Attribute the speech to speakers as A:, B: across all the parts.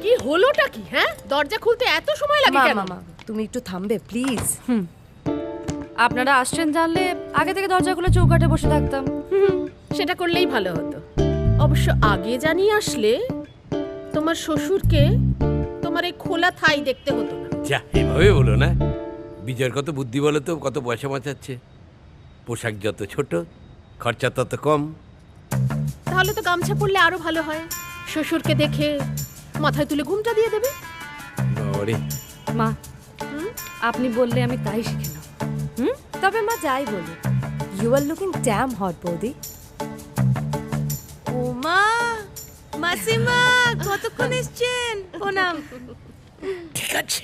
A: কি হলোটা কি? হ্যাঁ, দরজা খুলতে এত সময় লাগে কেন?
B: মামা তুমি একটু থামবে প্লিজ।
C: আপনারা আসছেন জানলে আগে থেকে দরজা খুলে চৌকাঠে বসে থাকতাম।
A: সেটা করলেই ভালো হতো। অবশ্য আগে জানিয়ে আসলে তোমার শ্বশুরকে তোমার এই খোলা থাই দেখতে হতো না।
D: যা, এভাবে বলো না। বিজয়ের কত বুদ্ধি বলো তো, কত পয়সা বাঁচাচ্ছে। পোশাক যত ছোট, খরচা তত কম।
A: তাহলে তো গামছা পরলে আরো ভালো হয়। শ্বশুরকে দেখে মাথায় তুলে ঘুমটা দিয়ে দেবে।
D: বাবারে,
C: মা, আপনি বললে আমি তাই শিখে নেব।
B: তবে মা যাই বলি, you are looking damn hot বৌদি।
E: ওমা, মাসিমা কতক্ষণ এসছেন? প্রণাম।
D: ঠিক আছে।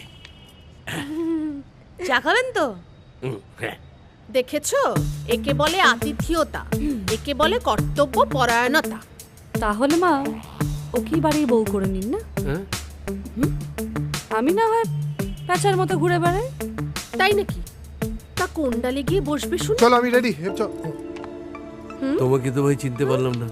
E: চা খাবেন তো?
D: হ্যাঁ।
A: দেখেছো, একে বলে আতিথেয়তা, একে বলে কর্তব্য পরায়ণতা।
C: তাহলে মা ওকেই বাড়ির বউ করে নিন না।
D: হ্যাঁ?
C: আমি না হয় প্যাঁচার মতো ঘুরে বেড়াই।
A: তাই নাকি? তা কোন্ডালে গিয়ে বসবে শুনে।
F: চলো আমি রেডি।
D: তোমাকে তো ভাই চিনতে পারলাম না।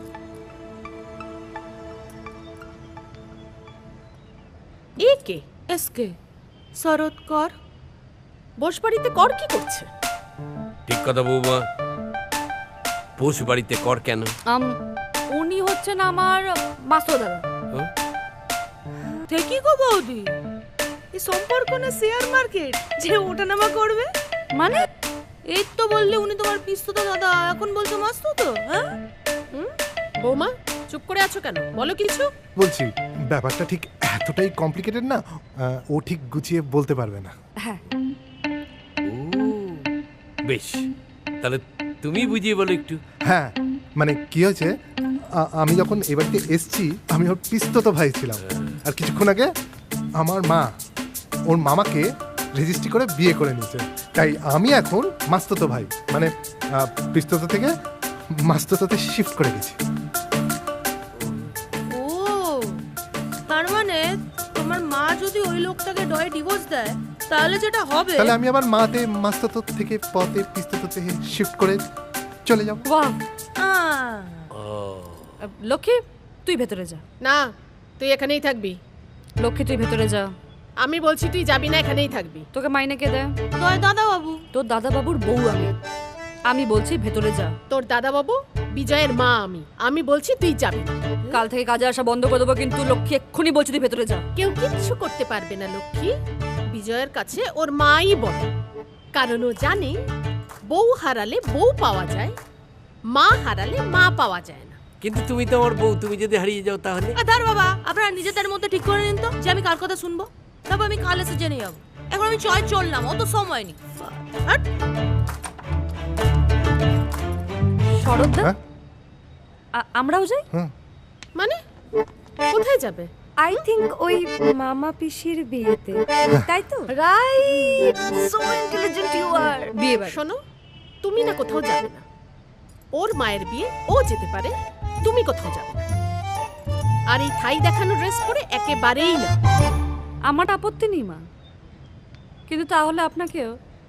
A: একে
E: এসকে শরৎ কর।
A: বসবাড়িতে কর কি করছে?
D: ঠিক কথা বৌমা। পোষ বাড়িতে কর কেন?
C: উনি হচ্ছেন আমার মাস্টার দাদা।
D: হ্যাঁ?
E: ঠিকই গো বৌদি, এই সম্পর্ক না শেয়ার মার্কেট যে ওঠানামা করবে?
C: মানে
E: এই তো বললে উনি তোমার পিস্তত দাদা, এখন বলছো মাস্তুতো। হ্যাঁ,
A: বৌমা চুপ করে আছো কেন? বলো কিছু।
F: বলছি ব্যাপারটা ঠিক এতটাই কমপ্লিকেটেড না, ও ঠিক গুছিয়ে বলতে পারবে না।
C: হ্যাঁ,
D: ও, বেশ, তাহলে তুমি বুঝিয়ে বলো একটু।
F: হ্যাঁ মানে কি হয়েছে, আমি যখন এ বাড়িতে এসছি আমি ওর পিস্তত ভাই ছিলাম, আর কিছুক্ষণ আগে আমার মা ওর মামাকে রেজিস্ট্রি করে বিয়ে করে নিয়েছে, তাই আমি এখন মাস্ততো ভাই, মানে পিস্তত থেকে মাস্ততোতে শিফট করে গেছি।
E: ও তার মানে তোমার মা যদি ওই লোকটাকে ডয়ে ডিভোর্স দেয় তাহলে যেটা হবে,
F: তাহলে আমি আবার মাতে মাস্ততো থেকে পথে পিস্তততে শিফট করে চলে যাব।
C: বাহ।
E: আহ,
C: লক্ষ্মী তুই ভেতরে যা।
A: না, তুই এখানেই থাকবি।
C: লক্ষ্মী তুই ভেতরে যা।
A: আমি বলছি তুই যাবি না, এখানেই থাকবি।
C: তোকে মাইনে কে দেয়?
E: দয় দাদা বাবু।
C: তোর দাদা বাবুর বউ আমি। আমি বলছি ভেতরে যা।
A: তোর দাদা বাবু বিজয়ের মা আমি। আমি বলছি তুই যাবি না।
C: কাল থেকে কাজে আসা বন্ধ করে দেবো, কিন্তু লক্ষ্মী এক্ষুনি বলছি তুই ভেতরে যা।
A: কেউ কিচ্ছু করতে পারবে না লক্ষ্মী। বিজয়ের কাছে ওর মাই বলে, কারণ ও জানে বউ হারালে বউ পাওয়া যায়, মা হারালে মা পাওয়া যায় না।
D: কিন্তু তুমি তো আমার বউ, তুমি যদি হারিয়ে যাও তাহলে?
E: ধর বাবা, আপনারা নিজেদের মধ্যে ঠিক করে নিন তো যে আমি কার কথা শুনবো, তারপর আমি কাল এসে জেনে যাবো। এখন আমি চললাম, অত সময় নেই।
C: শরৎদা,
F: হ্যাঁ?
C: আমরাও যাই।
A: মানে কোথায় যাবে?
B: আই থিংক ওই মামা পিসির বিয়েতে, তাই তো? Right, so intelligent you are.
C: বিয়ে বাড়ি।
A: শোনো, তুমি না কোথাও যাবে না। ওর মায়ের বিয়ে ও যেতে পারে, তুমি কোথাও যাবে না। আর এই থাই দেখানো ড্রেস পরে একেবারেই না।
C: আমার আপত্তি নেই মা, কিন্তু তাহলে আপনাকেও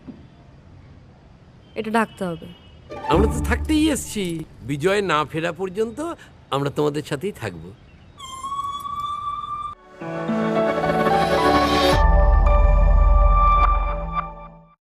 C: এটা ঢাকতে হবে।
D: আমরা তো থাকতেই এসছি। বিজয় না ফেরা পর্যন্ত আমরা তোমাদের সাথেই থাকবো।